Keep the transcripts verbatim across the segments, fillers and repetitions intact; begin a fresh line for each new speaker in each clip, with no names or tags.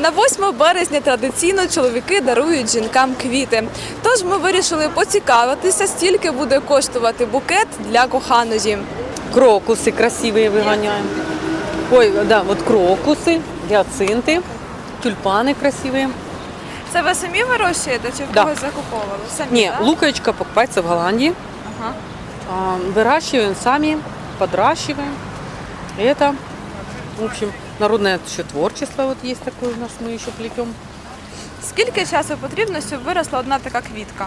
На восьме березня традиційно чоловіки дарують жінкам квіти. Тож ми вирішили поцікавитися, скільки буде коштувати букет для коханої.
Крокусы красивые выгоняем. Ой, да, вот крокусы, гиацинты, тюльпаны красивые.
Це ви самі вирощуєте чи в
Да.
когось закуповували? Самі,
Не,
да?
луковичка покупается в Голландии.
Ага.
А, Выращиваем сами, подращиваем. И это, в общем, народное еще творчество вот есть такое у нас, мы еще плетем.
Скільки часу потрібно, щоб виросла одна така квітка?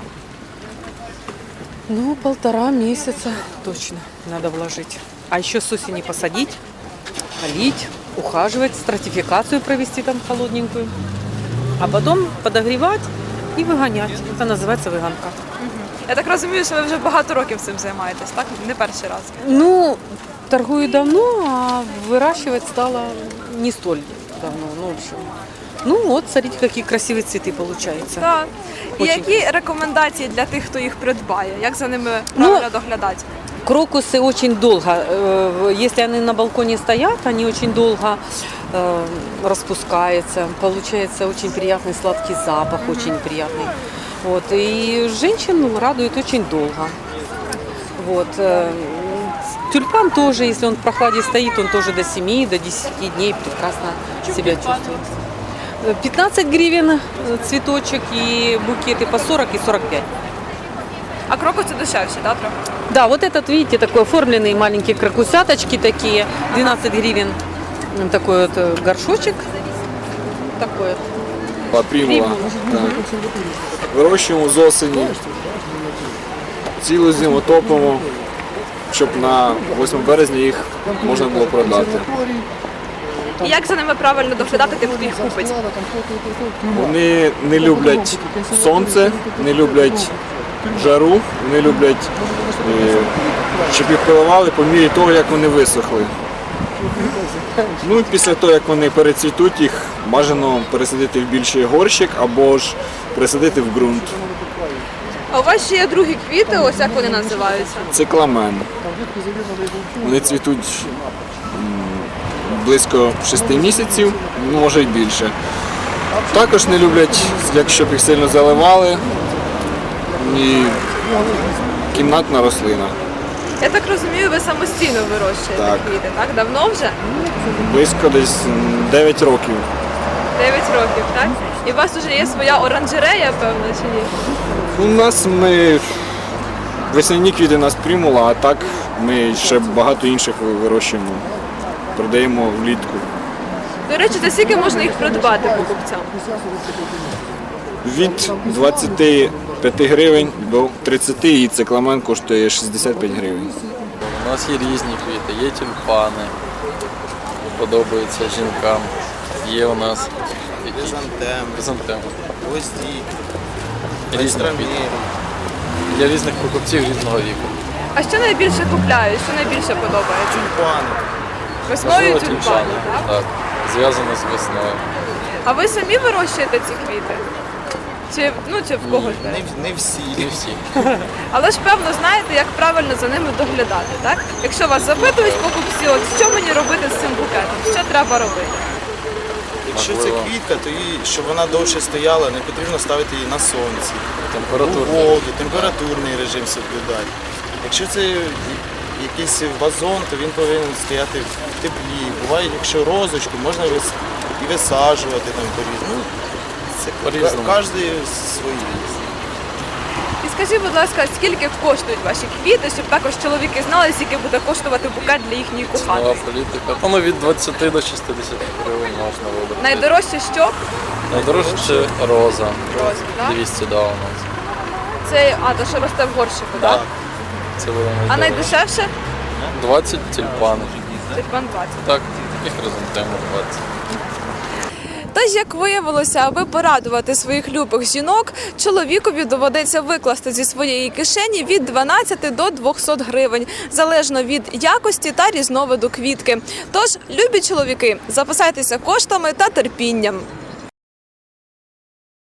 Ну, полтора месяца точно надо вложить. А еще с осени посадить, полить, ухаживать, стратификацию провести там холодненькую. А потом подогревать и выгонять. Это называется выгонка.
Я так розумію, що ви вже багато років цим займаєтесь, так? Не перший раз.
Ну, торгую давно, а выращивать стало не столь давно. Ну, в общем. Ну вот, смотрите, какие красивые цветы получаются.
Так. І
Очень.
які рекомендації для тих, хто їх придбає? Як за ними
Ну,
правильно доглядати?
Крокусы очень долго, э, если они на балконе стоят, они очень долго э, распускаются. Получается очень приятный сладкий запах, очень приятный. Вот. И женщину радует очень долго. Вот. э, Тюльпан тоже, если он в прохладе стоит, он тоже до семи, до десяти дней прекрасно себя чувствует. пятнадцать гривен э, цветочек и букеты по сорок и сорок пять.
А крокуси дешевші, так, трохи?
Да, вот этот, видите, такой оформленный маленькие крокусяточки такие, двенадцать гривен. М, Такой вот э, горшочек. Такой.
Примула. Так. Вирощуємо з осені, цілу зиму топимо, щоб на восьме березня їх можна було продати.
І як за ними правильно доглядати тим, хто їх купить?
Вони не люблять сонце, не люблять жару, не люблять, е, щоб їх поливали по мірі того, як вони висохли. Ну і після того, як вони перецвітуть, їх бажано пересадити в більший горщик або ж пересадити в ґрунт.
А у вас ще є другі квіти, ось як вони називаються?
Цикламен. Вони цвітуть м, близько шести місяців, може й більше. Також не люблять, якщо б їх сильно заливали, і кімнатна рослина.
Я так розумію, ви самостійно вирощуєте
Так.
квіти, так? Давно вже?
Близько десь дев'ять років.
дев'ять років, так? І у вас вже є своя оранжерея, певно, чи ні?
У нас ми весняні квіти у нас примула, а так ми ще багато інших вирощуємо. Продаємо влітку.
До речі, за скільки можна їх придбати покупцям?
Від двадцяти п'яти гривень до тридцяти, і цикламен коштує шістдесят п'ять гривень.
У нас є різні квіти, є тюльпани, подобаються жінкам. Є у нас
Хризантем,
хризантем.
гвоздик,
Різні квіти. Для різних покупців різного віку.
А що найбільше купляють? Що найбільше подобається?
тюльпани.
Весною
Можливо,
тюльпани, так?
Так, зв'язано з весною.
А ви самі вирощуєте ці квіти? Чи, ну, чи в когось?
Не,
десь?
не всі.
Не всі.
Але ж певно знаєте, як правильно за ними доглядати, так? Якщо вас запитують покупці, от що мені робити з цим букетом? Що треба робити?
Якщо це
Можливо.
квітка, то її, щоб вона довше стояла, не потрібно ставити її на сонці. У
Температурний.
воду, температурний режим соблюдати. Якщо це якийсь вазон, то він повинен стояти в теплі. Буває, якщо розочку, можна вис- і висаджувати там по-різному. Ну, це
По-різному.
кожен свої.
І скажіть, будь ласка, скільки коштують ваші квіти, щоб також чоловіки знали, скільки буде коштувати букет для їхньої
Нова
коханої?
політика. Ну, від двадцяти до шістдесяти гривень можна вибрати.
Найдорожче що?
Найдорожче це роза.
Роза, так?
двісті, да, у нас.
Це, а, то що росте в горщику, так?
Так.
Це буде
А
найдорожче.
найдешевше?
двадцять тюльпани.
Тюльпан двадцять.
Так, і хризантеми двадцять.
Тож, як виявилося, аби порадувати своїх любих жінок, чоловікові доведеться викласти зі своєї кишені від дванадцяти до двохсот гривень, залежно від якості та різновиду квітки. Тож, любі чоловіки, запасайтеся коштами та терпінням.